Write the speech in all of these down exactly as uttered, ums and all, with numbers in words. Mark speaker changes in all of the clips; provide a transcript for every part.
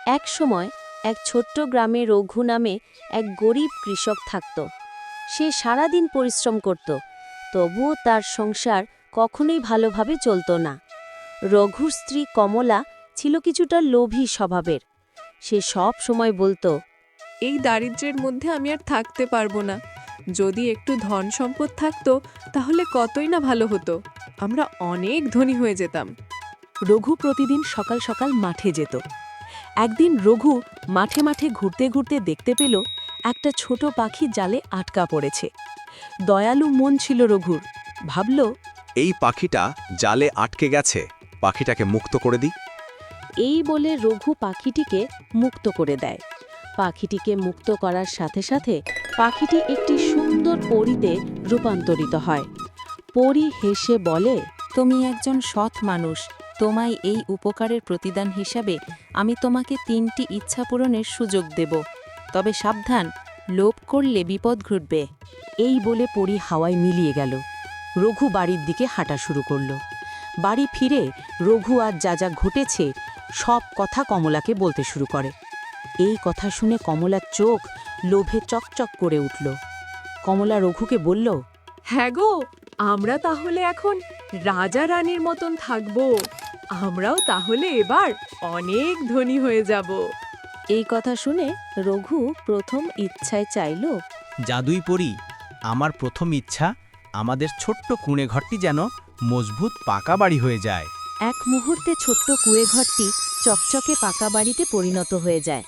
Speaker 1: এক সময় এক ছোট্ট গ্রামে রঘু নামে এক গরিব কৃষক থাকত। সে সারাদিন পরিশ্রম করত, তবুও তার সংসার কখনোই ভালোভাবে চলত না। রঘুর স্ত্রী কমলা ছিল কিছুটা লোভী স্বভাবের। সে সব সময় বলতো,
Speaker 2: এই দারিদ্র্যের মধ্যে আমি আর থাকতে পারবো না। যদি একটু ধন সম্পদ থাকতো তাহলে কতই না ভালো হতো, আমরা অনেক ধনী হয়ে যেতাম।
Speaker 3: রঘু প্রতিদিন সকাল সকাল মাঠে যেত। একদিন রঘু মাঠে মাঠে ঘুরতে ঘুরতে দেখতে পেল একটা ছোট পাখি জালে আটকা পড়েছে। দয়ালু মন ছিল রঘুর, ভাবল,
Speaker 4: এই পাখিটা জালে আটকে গেছে, পাখিটাকে মুক্ত করে দিই।
Speaker 1: এই বলে রঘু পাখিটিকে মুক্ত করে দেয়। পাখিটিকে মুক্ত করার সাথে সাথে পাখিটি একটি সুন্দর পরীতে রূপান্তরিত হয়। পরী হেসে বলে,
Speaker 5: তুমি একজন সৎ মানুষ, তোমায় এই উপকারের প্রতিদান হিসাবে আমি তোমাকে তিনটি ইচ্ছা পূরণের সুযোগ দেব, তবে সাবধান, লোভ করলে বিপদ ঘটবে।
Speaker 3: এই বলে পরী হাওয়ায় মিলিয়ে গেল। রঘু বাড়ির দিকে হাঁটা শুরু করল। বাড়ি ফিরে রঘু আর যা যা ঘটেছে সব কথা কমলাকে বলতে শুরু করে। এই কথা শুনে কমলার চোখ লোভে চকচক করে উঠল। কমলা রঘুকে বলল,
Speaker 2: হ্যাঁ গো, আমরা তাহলে এখন রাজা রানীর মতন থাকবো। আমরাও তাহলে এবার অনেক ধনী হয়ে যাব।
Speaker 1: এই কথা শুনে রঘু প্রথম ইচ্ছায় চাইল,
Speaker 6: জাদুই পড়ি, আমার প্রথম ইচ্ছা আমাদের ছোট্ট কুঁড়ে ঘরটি যেন মজবুত পাকা বাড়ি হয়ে যায়।
Speaker 1: এক মুহূর্তে ছোট্ট কুঁয়েঘরটি চকচকে পাকা বাড়িতে পরিণত হয়ে যায়।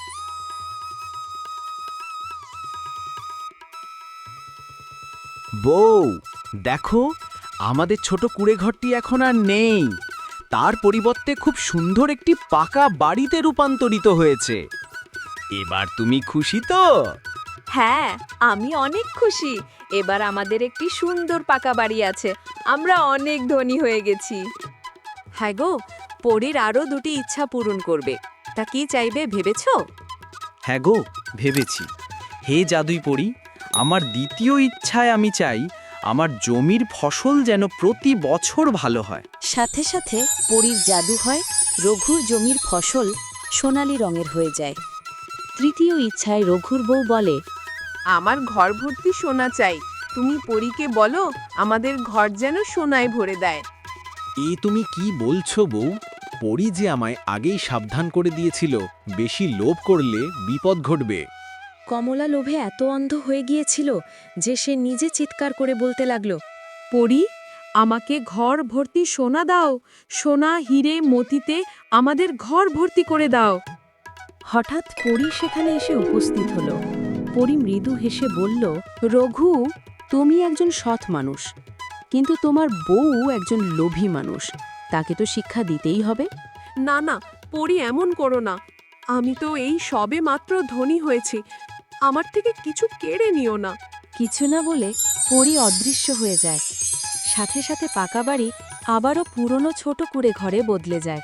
Speaker 6: বউ, দেখো, আমাদের ছোট কুঁড়ে ঘরটি এখন আর নেই। তার পরিবর্তে খুব সুন্দর একটি পাকা বাড়িতে রূপান্তরিত হয়েছে। এবার তুমি খুশি তো?
Speaker 2: হ্যাঁ, আমি অনেক খুশি। এবার আমাদের একটি সুন্দর পাকা বাড়ি আছে, আমরা অনেক ধনী হয়ে গেছি। হ্যাঁ গো, পরীর আরও দুটি ইচ্ছা পূরণ করবে। তা কি চাইবে ভেবেছো?
Speaker 6: হ্যাঁ গো, ভেবেছি। হে জাদুই পড়ি, আমার দ্বিতীয় ইচ্ছায় আমি চাই আমার জমির ফসল যেন প্রতি বছর ভালো হয়।
Speaker 1: সাথে সাথে পরীর জাদু হয়, রঘুর জমির ফসল সোনালি রঙের হয়ে যায়। তৃতীয় ইচ্ছায় রঘুর বউ বলে,
Speaker 2: আমার ঘর ভর্তি সোনা চাই। তুমি পরীকে বলো আমাদের ঘর যেন সোনায় ভরে দেয়।
Speaker 4: এ তুমি কি বলছো বউ? পরী যে আমায় আগেই সাবধান করে দিয়েছিল, বেশি লোভ করলে বিপদ ঘটবে।
Speaker 1: কমলা লোভে এত অন্ধ হয়ে গিয়েছিল যে সে নিজে চিৎকার করে বলতে লাগল,
Speaker 2: পরী, আমাকে ঘর ভর্তি সোনা দাও, সোনা হিরে মতিতে আমাদের ঘর ভর্তি করে দাও।
Speaker 3: হঠাৎ পরী সেখানে এসে উপস্থিত হল। পরী মৃদু হেসে বলল, রঘু, তুমি একজন সৎ মানুষ, কিন্তু তোমার বউ একজন লোভী মানুষ। তাকে তো শিক্ষা দিতেই হবে।
Speaker 2: না না পরী, এমন করো না। আমি তো এই সবে মাত্র ধনী হয়েছি, আমার থেকে কিছু কেড়ে নিও না।
Speaker 1: কিছু না বলে পরী অদৃশ্য হয়ে যায়। সাথে সাথে পাকা বাড়ি আবারও পুরনো ছোট কুঁড়ে ঘরে বদলে যায়।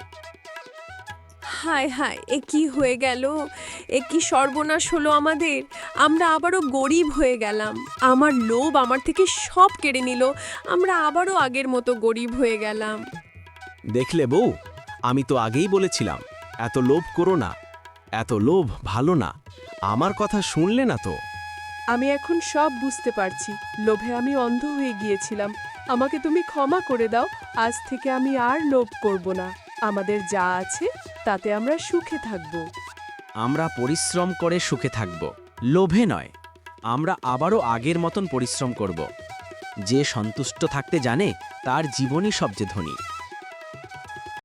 Speaker 2: হায় হায়, এ কি হয়ে গেল? এ কি সর্বনাশ হলো আমাদের! আমরা আবারও গরিব হয়ে গেলাম। আমার লোভ আমার থেকে সব কেড়ে নিল। আমরা আবারও আগের মতো গরিব হয়ে গেলাম।
Speaker 4: দেখলে বউ, আমি তো আগেই বলেছিলাম এত লোভ করো না, এত লোভ ভালো না। আমার কথা শুনলে না তো।
Speaker 2: আমি এখন সব বুঝতে পারছি। লোভে আমি অন্ধ হয়ে গিয়েছিলাম। আমাকে তুমি ক্ষমা করে দাও। আজ থেকে আমি আর লোভ করব না। আমাদের যা আছে তাতে আমরা সুখে থাকব।
Speaker 6: আমরা পরিশ্রম করে সুখে থাকব, লোভে নয়। আমরা আবারও আগের মতন পরিশ্রম করব। যে সন্তুষ্ট থাকতে জানে তার জীবনই সবচেয়ে ধনী।